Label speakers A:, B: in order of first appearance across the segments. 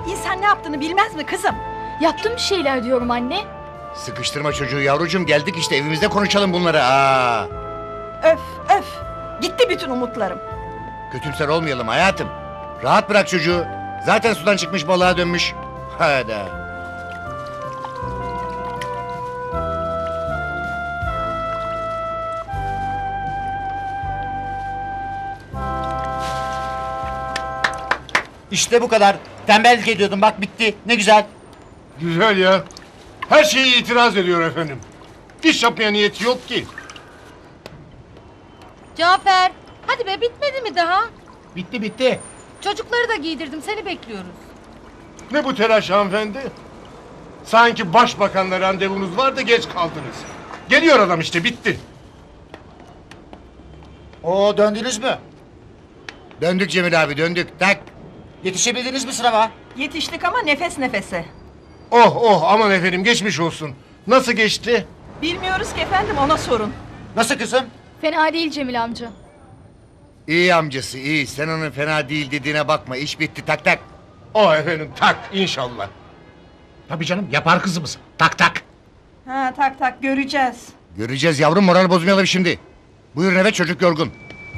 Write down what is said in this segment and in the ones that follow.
A: İnsan ne yaptığını bilmez mi kızım?
B: Yaptım bir şeyler diyorum anne.
C: Sıkıştırma çocuğu yavrucuğum, geldik işte evimizde konuşalım bunları. Aa.
A: Öf öf. Gitti bütün umutlarım.
C: Kötümser olmayalım hayatım. Rahat bırak çocuğu. Zaten sudan çıkmış balığa dönmüş. Hadi.
D: İşte bu kadar. Tembellik ediyordum, bak bitti. Ne güzel.
E: Güzel ya. Her şeye itiraz ediyor efendim. İş yapmaya niyeti yok ki.
F: Cafer, hadi be bitmedi mi daha?
D: Bitti bitti.
F: Çocukları da giydirdim, seni bekliyoruz.
E: Ne bu telaş hanımefendi? Sanki başbakanla randevunuz var da geç kaldınız. Geliyor adam işte, bitti.
D: Oo, döndünüz mü?
C: Döndük Cemil abi, döndük. Tak.
D: Yetişebildiniz mi sınava?
A: Yetiştik ama nefes nefese.
E: Oh oh, aman efendim, geçmiş olsun. Nasıl geçti?
A: Bilmiyoruz ki efendim, ona sorun.
D: Nasıl kızım?
B: Fena değil Cemil amca.
C: İyi amcası iyi. Sen onun fena değil dediğine bakma. İş bitti, tak tak.
E: Oh efendim, tak inşallah.
D: Tabii canım, yapar kızımız. Tak tak.
A: Ha tak tak göreceğiz.
C: Göreceğiz yavrum, moral bozmayalım şimdi. Buyurun eve, çocuk yorgun.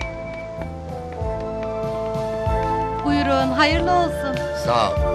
F: Buyurun, hayırlı olsun.
C: Sağ ol.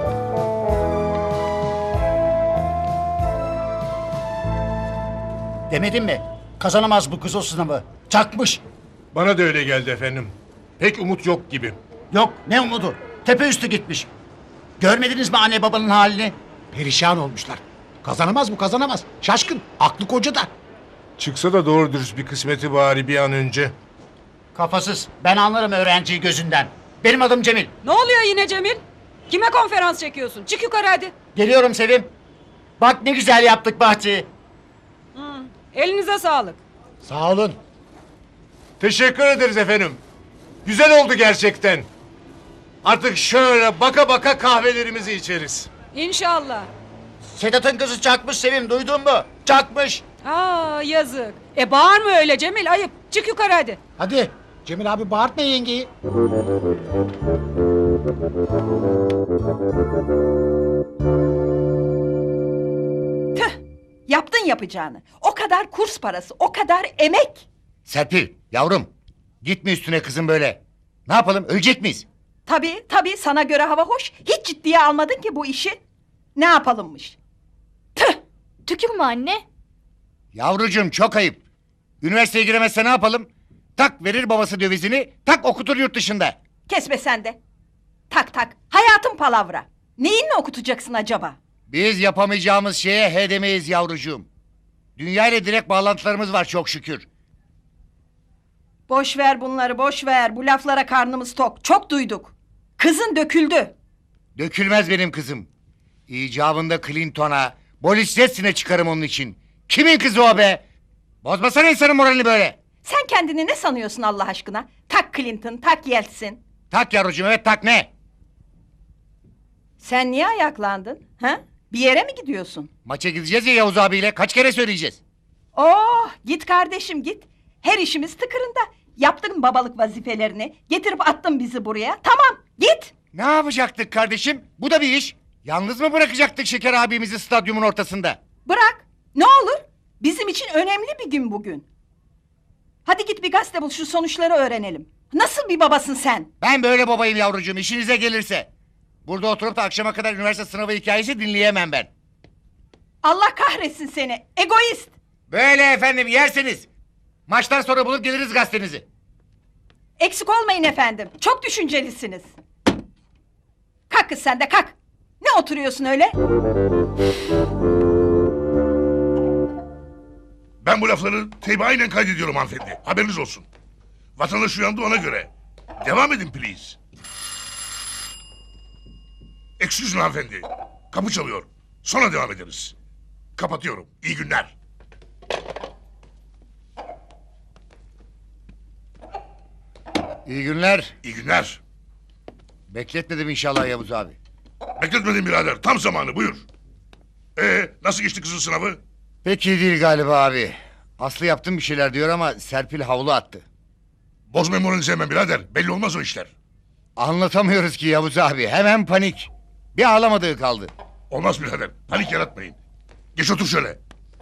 D: Demedim mi? Kazanamaz bu kız o sınavı. Çakmış.
E: Bana da öyle geldi efendim. Pek umut yok gibi.
D: Yok, ne umudu? Tepe üstü gitmiş. Görmediniz mi anne babanın halini?
G: Perişan olmuşlar. Kazanamaz bu, kazanamaz. Şaşkın, aklı kocada.
E: Çıksa da doğru dürüst bir kısmeti bari bir an önce.
D: Kafasız. Ben anlarım öğrenciyi gözünden. Benim adım Cemil.
H: Ne oluyor yine Cemil? Kime konferans çekiyorsun? Çık yukarı hadi.
D: Geliyorum Sevim. Bak ne güzel yaptık bahçeyi.
H: Elinize sağlık.
G: Sağ olun.
E: Teşekkür ederiz efendim. Güzel oldu gerçekten. Artık şöyle baka baka kahvelerimizi içeriz.
H: İnşallah.
D: Sedat'ın kızı çakmış Sevim, duydun mu? Çakmış.
H: Aa yazık. Bağırma öyle Cemil, ayıp. Çık yukarı hadi.
G: Hadi Cemil abi, bağırtma yengeyi.
A: Tüh. Yaptın yapacağını. O kadar kurs parası, o kadar emek.
C: Serpil yavrum, gitme üstüne kızım böyle. Ne yapalım, ölecek miyiz?
A: Tabii tabii, sana göre hava hoş. Hiç ciddiye almadın ki bu işi. Ne yapalımmış? Tüh.
B: Tükürme anne.
C: Yavrucuğum çok ayıp. Üniversiteye giremezse ne yapalım? Tak verir babası dövizini, tak okutur yurt dışında.
A: Kesme sen de. Tak tak. Hayatın palavra. Neyinle okutacaksın acaba?
C: Biz yapamayacağımız şeye he demeyiz yavrucuğum. Dünya ile direkt bağlantılarımız var çok şükür.
A: Boş ver bunları, boş ver. Bu laflara karnımız tok. Çok duyduk. Kızın döküldü.
C: Dökülmez benim kızım. İcabında Clinton'a, Boris Yeltsin'e çıkarım onun için. Kimin kızı o be? Bozmasana insanın moralini böyle.
A: Sen kendini ne sanıyorsun Allah aşkına? Tak Clinton, tak Yeltsin.
C: Tak yavrucuğum, evet tak ne?
A: Sen niye ayaklandın? Ha? Bir yere mi gidiyorsun?
C: Maça gideceğiz ya Yavuz abiyle, kaç kere söyleyeceğiz?
A: Oh, git kardeşim git. Her işimiz tıkırında. Yaptın babalık vazifelerini. Getirip attın bizi buraya. Tamam, git.
C: Ne yapacaktık kardeşim? Bu da bir iş. Yalnız mı bırakacaktık Şeker abimizi stadyumun ortasında?
A: Bırak. Ne olur. Bizim için önemli bir gün bugün. Hadi git bir gazete bul, şu sonuçları öğrenelim. Nasıl bir babasın sen?
C: Ben böyle babayım yavrucuğum, işinize gelirse. Burada oturup da akşama kadar üniversite sınavı hikayesi dinleyemem ben.
A: Allah kahretsin seni. Egoist.
C: Böyle efendim, yersiniz. Maçtan sonra bulup geliriz gazetenizi.
A: Eksik olmayın efendim. Çok düşüncelisiniz. Kalk kız sen de kalk. Ne oturuyorsun öyle?
I: Ben bu lafları teybi kaydediyorum hanımefendi. Haberiniz olsun. Vatandaş uyandı ona göre. Devam edin please. Excuse me hanımefendi. Kapı çalıyor. Sonra devam ederiz. Kapatıyorum. İyi günler.
C: İyi günler.
I: İyi günler.
C: Bekletmedim inşallah Yavuz abi.
I: Bekletmedim birader. Tam zamanı buyur. Nasıl geçti kızın sınavı?
C: Pek iyi değil galiba abi. Aslı yaptım bir şeyler diyor ama Serpil havlu attı.
I: Bozma moralini sevmem birader. Belli olmaz o işler.
C: Anlatamıyoruz ki Yavuz abi. Hemen panik. Bir ağlamadığı kaldı.
I: Olmaz birader. Panik yaratmayın. Geç otur şöyle.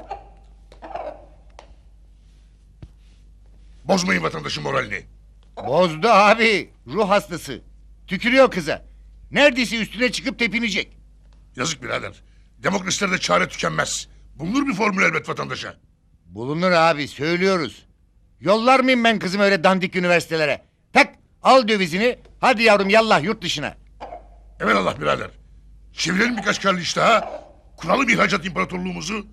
I: Bozmayın vatandaşın moralini.
C: Bozdu abi. Ruh hastası. Tükürüyor kıza. Neredeyse üstüne çıkıp tepinecek.
I: Yazık birader. Demokrasilerde çare tükenmez. Bulunur bir formül elbet vatandaşa.
C: Bulunur abi, söylüyoruz. Yollar mıyım ben kızımı öyle dandik üniversitelere? Tak, al dövizini. Hadi yavrum yallah yurt dışına.
I: Evelallah birader. Çevirelim birkaç karlı iş daha. Kuralım ihracat imparatorluğumuzu.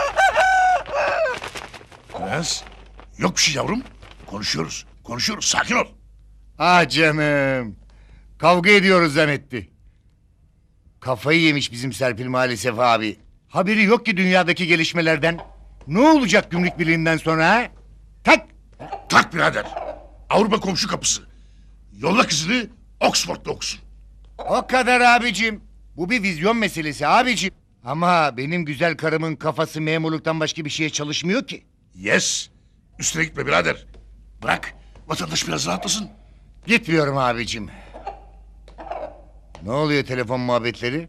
I: Prens. Yok bir şey yavrum. Konuşuyoruz. Konuşuyoruz. Sakin ol.
C: Ah canım. Kavga ediyoruz zannetti. Kafayı yemiş bizim Serpil maalesef abi. Haberi yok ki dünyadaki gelişmelerden. Ne olacak gümrük birliğinden sonra ha? Tak!
I: Tak birader. Avrupa komşu kapısı. Yolla kızını Oxford'da okusun.
C: O kadar abicim. Bu bir vizyon meselesi abicim. Ama benim güzel karımın kafası memurluktan başka bir şeye çalışmıyor ki.
I: Yes. Üstüne gitme birader. Bırak. Vatandaş biraz rahatlasın.
C: Gitmiyorum abicim. Ne oluyor telefon muhabbetleri?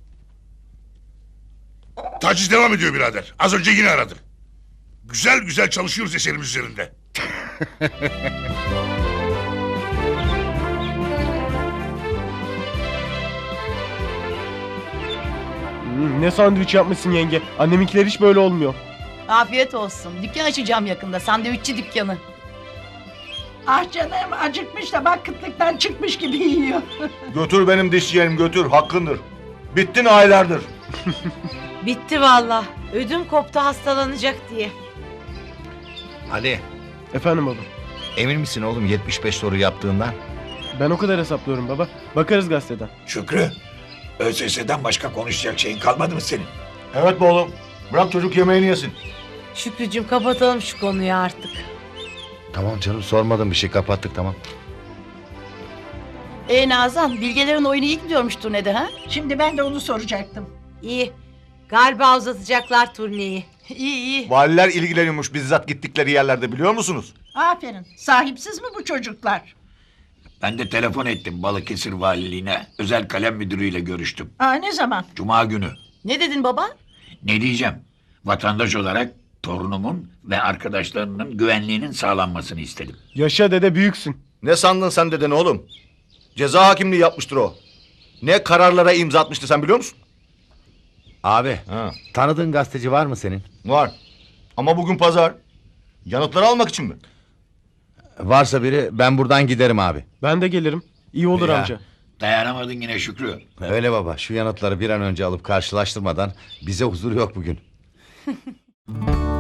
I: Taciz devam ediyor birader. Az önce yine aradı. Güzel güzel çalışıyoruz eserimiz üzerinde.
J: Ne sandviç yapmışsın yenge. Anneminkiler hiç böyle olmuyor.
K: Afiyet olsun. Dükkan açacağım yakında. Sandviççi dükkanı.
A: Ah canım acıkmış da bak kıtlıktan çıkmış gibi yiyor.
L: Götür benim dişçiyenim götür. Hakkındır. Bittin aylardır.
K: Bitti valla. Ödüm koptu hastalanacak diye.
L: Ali,
J: Efendim baba.
L: emin misin oğlum 75 soru yaptığından?
J: Ben o kadar hesaplıyorum baba. Bakarız gazeteden.
G: Şükrü, ÖSS'den başka konuşacak şeyin kalmadı mı senin?
L: Evet be oğlum. Bırak çocuk yemeğini yesin.
K: Şükrücüğüm kapatalım şu konuyu artık.
L: Tamam canım sormadım bir şey kapattık tamam.
K: Nazan, Bilgelerin oyunu iyi gidiyormuş turnede ha?
A: Şimdi ben de onu soracaktım.
K: İyi. Galiba uzatacaklar turneyi. İyi iyi.
L: Valiler ilgileniyormuş bizzat gittikleri yerlerde biliyor musunuz?
A: Aferin. Sahipsiz mi bu çocuklar?
G: Ben de telefon ettim Balıkesir Valiliğine. Özel kalem müdürüyle görüştüm.
A: Ne zaman?
G: Cuma günü.
K: Ne dedin baba?
G: Ne diyeceğim? Vatandaş olarak torunumun ve arkadaşlarının güvenliğinin sağlanmasını istedim.
J: Yaşa dede büyüksün.
L: Ne sandın sen deden oğlum? Ceza hakimliği yapmıştır o. Ne kararlara imza atmıştı sen biliyor musun?
M: Abi,
L: Ha.
M: tanıdığın gazeteci var mı senin?
L: Var. Ama bugün pazar. Yanıtları almak için mi?
M: Varsa biri ben buradan giderim abi.
J: Ben de gelirim. İyi olur
M: Ya.
J: amca.
G: Dayanamadın yine Şükrü.
M: Öyle baba, şu yanıtları bir an önce alıp karşılaştırmadan bize huzur yok bugün.